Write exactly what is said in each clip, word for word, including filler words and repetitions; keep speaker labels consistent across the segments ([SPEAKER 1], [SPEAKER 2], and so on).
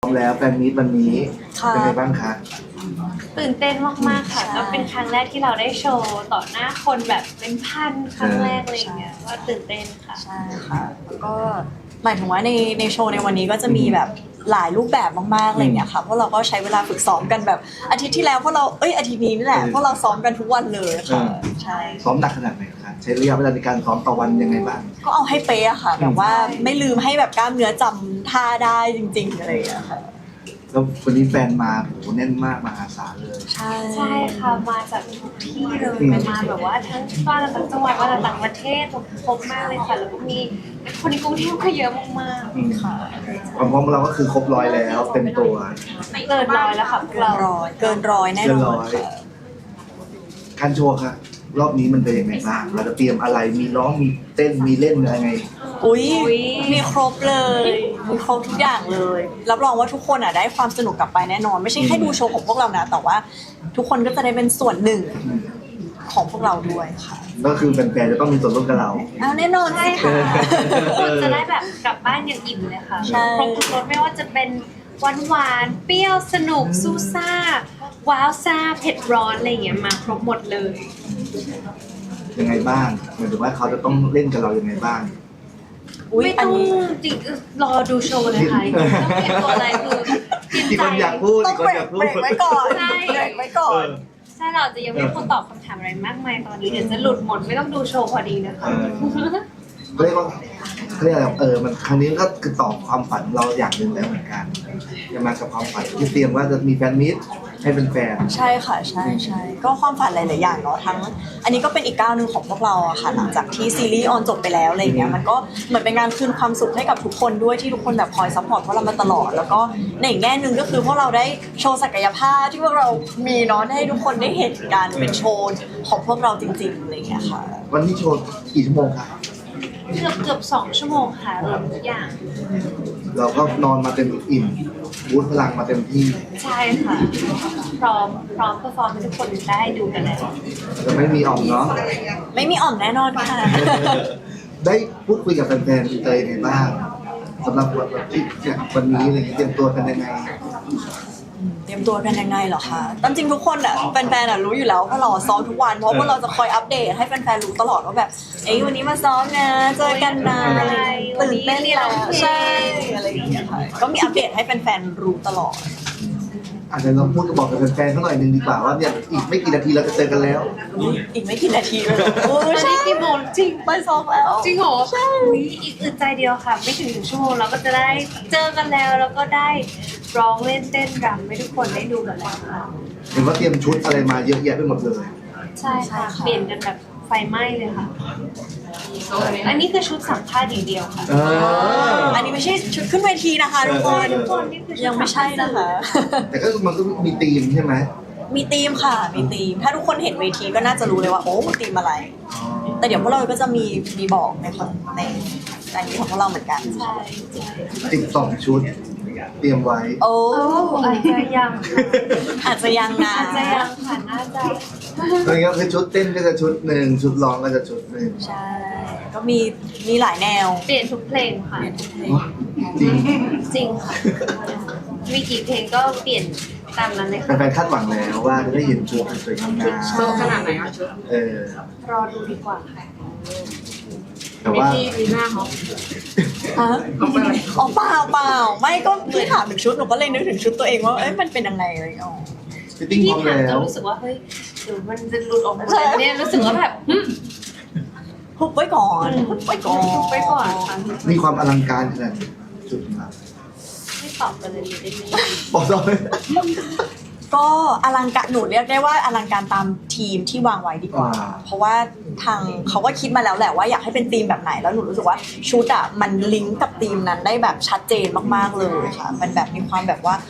[SPEAKER 1] พร้อมแล้วแฟนมีตวันนี้เป็นไงบ้างคะ
[SPEAKER 2] ตื่นเต้นมากๆค่ะก็เป็นครั้งแรกที่เราได้โชว์ต่อหน้าคนแบบเป็นพันครั้งแรกอะไรอย่างเงี้ยว่าตื่นเต้นค่ะ
[SPEAKER 3] ใช่ค่ะแล้วก็หมายถึงว่าในในโชว์ในวันนี้ก็จะมีแบบหลายรูปแบบมากๆอะไรอย่างเงี้ยค่ะเพราะเราก็ใช้เวลาฝึกซ้อมกันแบบอาทิตย์ที่แล้วพวกเราเอ้ยอาทิตย์นี้นี่แหละพวกเราซ้อมกันทุกวันเลยค่ะใช่
[SPEAKER 1] ซ้อมหนักขนาดไหนคะใช้ระยะเวลาในการซ้อมต่อวันยังไงบ้าง
[SPEAKER 3] ก็เอาให้เป๊ะค่ะแบบว่าไม่ลืมให้แบบกล้ามเนื้อจำท่าได้จริงๆอะไรอย่างเงี้ยค่ะ
[SPEAKER 1] แล้ววันนี้แฟนมาโหแน่นมากมหาศาลเลย
[SPEAKER 3] ใช่
[SPEAKER 2] ใช่ค่ะมาจากทุกที่เลยมาแบบว่าทั้งบ้านต่างจังหวัดมาจากต่างประเทศครบมากเลยค่ะแล้วก็มีคนในกรุงเทพก็เยอะมากๆค่ะ
[SPEAKER 1] ความพร้อมเราก็คือครบร้อยแล้วเต็มตัว
[SPEAKER 2] เกินร้อยแล้วค่ะ
[SPEAKER 3] เกินร้อยเกินร้อยแน่นอนค่ะ
[SPEAKER 1] การโชว์ค่ะรอบนี้มันเป็นยังไงบ้างเราจะเตรียมอะไรมีร้องมีเต้นมีเล่นอะไรไง
[SPEAKER 3] อุ้ยมีครบเลยมีครบทุกอย่างเลยรับรองว่าทุกคนอ่ะได้ความสนุกกลับไปแน่นอนไม่ใช่แค่ดูโชว์ของพวกเรานะแต่ว่าทุกคนก็จะได้เป็นส่วนหนึ่งของพวกเราด้วยค่ะ
[SPEAKER 1] ก็คือแฟนๆจะต้องมีส่วนร่วมกับเรา
[SPEAKER 3] เอาแน่นอนใช่ค่ะ
[SPEAKER 2] คนจะได้แบบกลับบ้านอย่างอิ่มเลยค่ะครบทุกรสไม่ว่าจะเป็นหวานหวานเปรี้ยวสนุกซูซ่าว้าวซ่าเผ็ดร้อนอะไรอย่างเงี้ยมาครบหมดเลย
[SPEAKER 1] ยังไงบ้างหมายถึงว่าเขาจะต้องเล่นกับเรายังไงบ้าง
[SPEAKER 2] ไม่ต้องจริงรอดูโชว์เลยค่ะต้องเห็นตัวอะไรคือ
[SPEAKER 1] ที่คนอยากพูด
[SPEAKER 3] ต้องเบรกไว้ก่อน
[SPEAKER 2] ใช่
[SPEAKER 3] เบรกไว้ก่อน
[SPEAKER 2] ใช่เราจะยังไม่คนตอบคำถามอะไรมากมายตอนนี้เดี๋ยวจะหลุดหมดไม่ต้องดูโชว์พอดีนะคะ
[SPEAKER 1] เรียกว่าเรียกอะไรเออมันครั้งนี้ก็คือตอบความฝันเราอย่างหนึ่งแล้วเหมือนกันจะมากับความฝันที่เตรียมว่าจะมีแฟนมิตรให้เป็นแฟน
[SPEAKER 3] ใช่ค่ะใช่ใช่ก็ความฝันหลายๆอย่างเนาะทั้งอันนี้ก็เป็นอีกก้าวหนึ่งของพวกเราอะค่ะหลังจากที่ซีรีส์ออนจบไปแล้วอะไรเงี้ยมันก็เหมือนเป็นการคืนความสุขให้กับทุกคนด้วยที่ทุกคนแบบคอยซัพพอร์ตพวกเรามาตลอดแล้วก็ในอีกแง่หนึ่งก็คือพวกเราได้โชว์ศักยภาพที่พวกเรามีเนาะให้ทุกคนได้เห็นกันเป็นโชว์ของพวกเราจริงๆอะไรเงี้ยค่ะ
[SPEAKER 1] วันนี้โชว์กี่ชั่วโมงคะ
[SPEAKER 2] เกือบเกือบสองชั่วโมงค่ะรวมทุกอย่าง
[SPEAKER 1] เราก็นอนมาเต็มอิ่มบูทพลังมาเต็มที่
[SPEAKER 2] ใช่ค่ะพร้อมพร้อมเพอร์ฟอร์มให้ทุกคนได้ดูกันแล้ว
[SPEAKER 1] จะไม่มีอ่อมเนาะ
[SPEAKER 3] ไม่มีอ่อมแน่นอนค่ะ
[SPEAKER 1] ได้พูดคุยกับแฟนๆเตยในบ้างสำหรับวันที่วันนี้อะไรเตรียมตัวกันยังไง
[SPEAKER 3] เตรียมตัวกันยังไงเหรอคะตามจริงทุกคนอ่ะแฟนๆอ่ะรู้อยู่แล้วเพราะเราซ้อมทุกวันเพราะว่าเราจะคอยอัปเดตให้แฟนๆรู้ตลอดว่าแบบเอ้ยวันนี้มาซ้อมนะเจอกันนะตื่นเต้นแล้วใช่อะไรอย่างเงี้ยค่ะก็มีอัปเดตให้แฟนๆรู้ตลอด
[SPEAKER 1] อาจจะเราพูดกับบอกกับแฟนๆเขาหน่อยนึงดีกว่าว่าเนี่ยอีกไม่กี่นาทีเราจะเจอกันแล้ว
[SPEAKER 3] อีกไม่กี่นาทีเลยโอ้
[SPEAKER 2] ใช่กี่โมงจริง
[SPEAKER 3] ไปซ้อมแล้ว
[SPEAKER 2] จริงเหรอใช่อีกอึดใจเดียวค่ะไม่ถึงหนึ่งชั่วโมงเราก็จะได้เจอกันแล้วแล้วก็ได้ร้องเล่นเต้นรำให้ทุกคนได้ดูกันแล้วค่ะ
[SPEAKER 1] เห็นว่าเตรียมชุดอะไรมาเยอะแยะไปหมดเลย
[SPEAKER 2] ใช่ค่ะเปลี่ยนกันแบบไฟไหม้เลยค่ะอันนี้คือชุดสัมภาษณ์อย่างเดียวค่ะ
[SPEAKER 3] อันนี้ไม่ใช่ชุดขึ้นเวทีนะคะทุกคนยังไม่ใช่นะคะ
[SPEAKER 1] แต่ก็มันก็มีธีมใช่ไหม
[SPEAKER 3] มีธีมค่ะมีธีมถ้าทุกคนเห็นเวทีก็น่าจะรู้เลยว่าโอ้ธีมอะไรแต่เดี๋ยวพวกเราก็จะมีมีบอกในในในนี้ของพวกเราเหมือนกัน
[SPEAKER 2] ใช่
[SPEAKER 1] สิบสองชุดเตรียมไว้
[SPEAKER 3] โอ้
[SPEAKER 2] อาจจะยัง
[SPEAKER 3] อาจจะยังนะ
[SPEAKER 2] อาจจะยังค่ะน่าจะ
[SPEAKER 1] ตอนนี้คือชุดเต้นก็จะชุดหนึ่งชุดร้องก็จะชุดหนึ่ง
[SPEAKER 3] ใช่ก็มีมีหลายแนว
[SPEAKER 2] เปลี่ยนทุกเพลงค่ะ
[SPEAKER 1] จริง
[SPEAKER 2] จริงค่ะมีกี่เพลงก็เปลี่ยนตามนั้นเลย
[SPEAKER 1] ค่ะแฟนๆคาดหวังแล้วว่าจะได้เห็นชุดสวยงาม
[SPEAKER 2] โชว์ขนาดไหนอ่ะชุด
[SPEAKER 1] เออ
[SPEAKER 2] รอดูดีกว่าค่ะ
[SPEAKER 1] แต่ว่า
[SPEAKER 2] มีหน้าเขา
[SPEAKER 3] ฮะอ๋อเปล่าเปล่าไม่ก็พี่ถามถึงชุดหนูก็เลยนึกถึงชุดตัวเองว่าเอ้ยมันเป็นยังไงเลยอ๋อ
[SPEAKER 2] พี่ถามจะรู้สึกว่าเฮ้ยหรือมันจะหลุดออกมาเนี่ยรู้สึกว่าแบบ
[SPEAKER 3] หุบไว้ก่อนหุบไว้ก่อน
[SPEAKER 2] หุบไว้ก่อน
[SPEAKER 1] มีความอลังการขนาดจุดมา
[SPEAKER 2] ไม่ตอบกันเลยได้ไหม
[SPEAKER 1] บอกต่อเลย
[SPEAKER 3] ก็อลังการหนูเรียกได้ว่าอลังการตามทีมที่วางไว้ดีกว่าเพราะว่าทางเขาก็คิดมาแล้วแหละว่าอยากให้เป็นธีมแบบไหนแล้วหนูรู้สึกว่าชุดอ่ะมันลิงก์กับธีมนั้นได้แบบชัดเจนมากๆเลยค่ะมันแบบมีความแบบว่า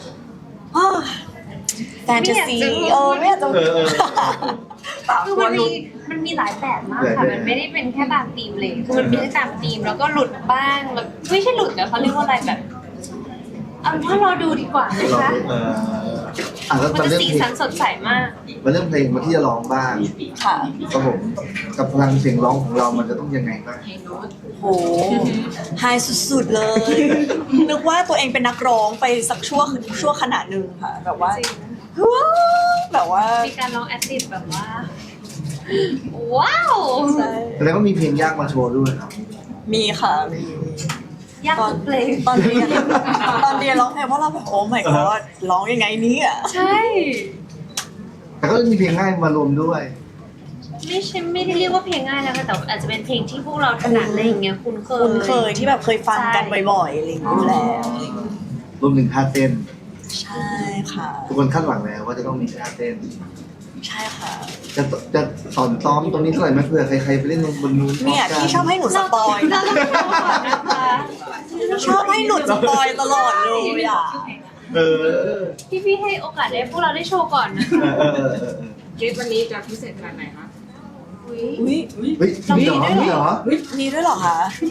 [SPEAKER 3] แฟนตาซีเออไม่อยากจะ
[SPEAKER 2] คือมันมีมันมีหลายแบบมากค่ะมันไม่ได้เป็นแค่ตามธีมเลยคือมันมีทั้งตามธีมแล้วก็หลุดบ้างแล้วไม่ใช่หลุดแต่เขาเรียกว่าอะไรแบบเอาถ้ารอดูดีกว่านะคะ
[SPEAKER 1] อ่ะแล้ว
[SPEAKER 2] มัน
[SPEAKER 1] มา
[SPEAKER 2] จะ
[SPEAKER 1] เรื่อง
[SPEAKER 2] สี
[SPEAKER 1] เพล
[SPEAKER 2] สั
[SPEAKER 1] ง
[SPEAKER 2] นสดใสมาก
[SPEAKER 1] มาเรื่องเพลงมาที่จะร้องบ้าง
[SPEAKER 3] ค่ะ
[SPEAKER 1] ครับผมกับพลังเสียงร้องของเรามันจะต้องยังไงบ้าง
[SPEAKER 3] โหไฮสุดๆเลย นึกว่าตัวเองเป็นนักร้องไปสักชั่วชั่วขณะหนึ่งค่ะ แบบว่า
[SPEAKER 2] จริง
[SPEAKER 3] ว้าวแบบว่า
[SPEAKER 2] มีการร้องแอดลิบแบบว่า ว้าว
[SPEAKER 3] ใช่
[SPEAKER 1] แสดงว่ามีเพลงยากมาโชว์ด้วยครับ
[SPEAKER 3] มีค่ะมี
[SPEAKER 2] ยาก
[SPEAKER 3] ตอน
[SPEAKER 2] ทุกเพลง
[SPEAKER 3] ตอนเรียนตอนเรียนร้องเพลงเพราะเราแบบโอ้ my god ร้องยังไงเนี่ย
[SPEAKER 2] ใช่
[SPEAKER 1] แต่ก็มีเพลงง่ายมารวมด้วย
[SPEAKER 2] ไม่ใช่ไม่ได้เรียกว่าเพลงง่ายแล้วค่ะแต่อาจจะเป็นเพลงที่พวกเราถนัดอะไรอย่างเงี้ยคุ้นเคย
[SPEAKER 3] คุ้นเคยที่แบบเคยฟังกันบ่อยๆอะไรอย่างเงี้ยอยู่แล้ว
[SPEAKER 1] รวมถึงท่าเต้น
[SPEAKER 3] ใช่ค่ะ
[SPEAKER 1] ทุกคนคาดหวังแล้วว่าจะต้องมีท่าเต้น
[SPEAKER 3] ใช่ค่ะ
[SPEAKER 1] จะจะสอนซ้อมตรงนี้เท่าไหร่ไหมเผื่อใครๆไปเล่นบนนู้น
[SPEAKER 3] เนี่ยพี่ชอบให้หนูสปอย
[SPEAKER 2] เราต้องโชว์ก่อนนะคะ
[SPEAKER 3] ชอบให้หนูสปอยตลอดเลยอ่ะ
[SPEAKER 1] เออ
[SPEAKER 2] พี่พี่ๆให้โอกาสได้พวกเราได้โชว์ก่อนนะ
[SPEAKER 1] เออเออเออเออ
[SPEAKER 4] คลิปวันนี้จะพิเศษขนาดไหนคะ
[SPEAKER 2] อุ๊ย
[SPEAKER 3] อุ้ย
[SPEAKER 1] เฮ้ยมีเหรอมีเหรอ
[SPEAKER 3] มีด้วยเหรอคะ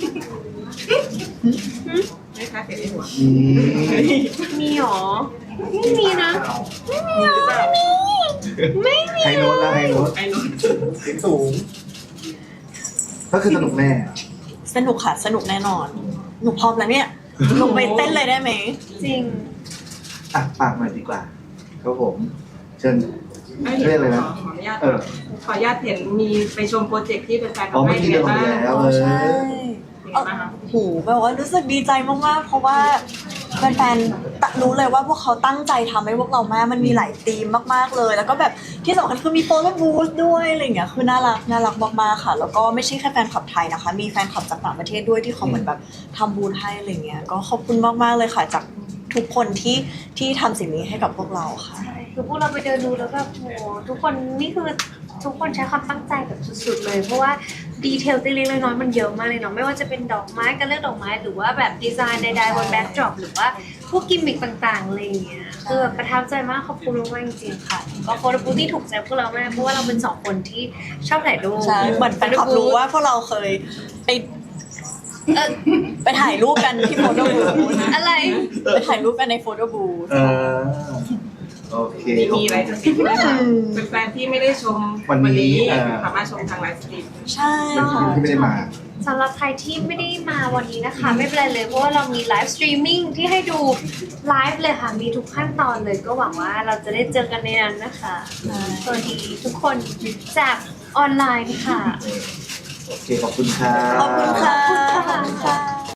[SPEAKER 4] ไม่คะเสียงในหัว
[SPEAKER 1] มี
[SPEAKER 2] มีหรอไม่มีนะ
[SPEAKER 4] มีหรือเปล่า
[SPEAKER 2] ไม่มี
[SPEAKER 1] ไฮโน้ตละไฮโน้ต
[SPEAKER 4] ไอ้นุ่น
[SPEAKER 1] เสียงสูง ก็คือสนุกแน่
[SPEAKER 3] สนุกค่ะสนุกแน่นอน หนูพร้อมแล้วเนี่ยลงไปเต้นเลยได้ไหม
[SPEAKER 2] จริง
[SPEAKER 1] อ่ะปากหน่อยดีกว่าครับผม เชิญ
[SPEAKER 4] ไม่
[SPEAKER 1] เรียกอะไรนะ
[SPEAKER 4] ขออนุญาต
[SPEAKER 1] เออ
[SPEAKER 4] ขออนุญาตเห็นมีไปชมโปรเจกต์ที่เป็นแฟน
[SPEAKER 1] อ๋อ
[SPEAKER 4] ทำ
[SPEAKER 1] เมื่
[SPEAKER 4] ให้
[SPEAKER 1] อกี้
[SPEAKER 4] เห็
[SPEAKER 1] เดิ
[SPEAKER 4] น
[SPEAKER 1] นมา
[SPEAKER 4] บ้าง
[SPEAKER 1] แล้ว
[SPEAKER 3] อ๋
[SPEAKER 1] เอ
[SPEAKER 3] อใช่
[SPEAKER 1] อ
[SPEAKER 4] เป็นไงบ้างคะ
[SPEAKER 3] โหแบบว่ารู้สึกดีใจมากๆ เพราะว่าแฟนๆตะรู้เลยว่าพวกเขาตั้งใจทำให้พวกเรามากมันมีหลายธีมมากๆเลย แล้วก็แบบที่สำคัญคือมีโฟโต้บูธด้วยอะไรอย่างเงี้ยคือน่ารักน่ารักมากๆค่ะ แล้วก็ไม่ใช่แค่แฟนคลับไทยนะคะ มีแฟนคลับจากต่างประเทศด้วยที่เขาเหมือนแบบทำบูธให้อะไรเงี้ยก็ขอบคุณมากๆเลยค่ะจากทุกคนที่ที่ทำสิ่งนี้ให้กับพวกเราค่ะ
[SPEAKER 2] คือพวกเราไปเดินดูแล้วแบบโหทุกคนนี่คือทุกคนใช้ความตั้งใจแบบสุดๆเลย เพราะว่าดีเทลเล็กๆน้อยๆมันเยอะมากเลยเนาะไม่ว่าจะเป็นดอกไม้การเลือกดอกไม้หรือว่าแบบดีไซน์ใดๆบนแบ็คดรอปหรือว่าพวกกิมมิคต่างๆอะไรอย่างเงี้ยคือแบบประทับใจมากขอบคุณมากๆจริงๆค่ะก็โฟโต้บูธที่ถูกใจพวกเรามากเพราะว่าเราเป็นสองคนที่ชอบถ่ายรูป
[SPEAKER 3] ใช่เหมือนแฟนคลับรู้ว่าพวกเราเคยไป
[SPEAKER 2] เออ
[SPEAKER 3] ไปถ่ายรูปกันที่โฟโต้บูธ
[SPEAKER 2] อะไร
[SPEAKER 3] ไปถ่ายรูปกันในโฟโต้บูธ
[SPEAKER 1] เออโอเค
[SPEAKER 4] มีมีอะไรจะติดไหมคะเป็นแฟนที่ไม่ได้ชม
[SPEAKER 1] วันนี้เออ
[SPEAKER 4] สามารถชมทางไลฟ์สตรีม
[SPEAKER 3] ใช่
[SPEAKER 1] เป็น
[SPEAKER 3] ค่ะ
[SPEAKER 1] ที่ไม่ได้มา
[SPEAKER 2] สำหรับใครที่ไม่ได้มาวันนี้นะคะ ไม่เป็นไรเลยเพราะว่าเรามีไลฟ์สตรีมมิ่งที่ให้ดูไลฟ์เลยค่ะ มีทุกขั้นตอนเลยก็หวังว่าเราจะได้เจอกันในนั้นนะคะสวัสดีทุกคนจากออนไลน์ค่ะ
[SPEAKER 1] โอเค ขอบคุณครับ
[SPEAKER 3] ขอบคุณค่ะ
[SPEAKER 2] ขอบคุณค่ะ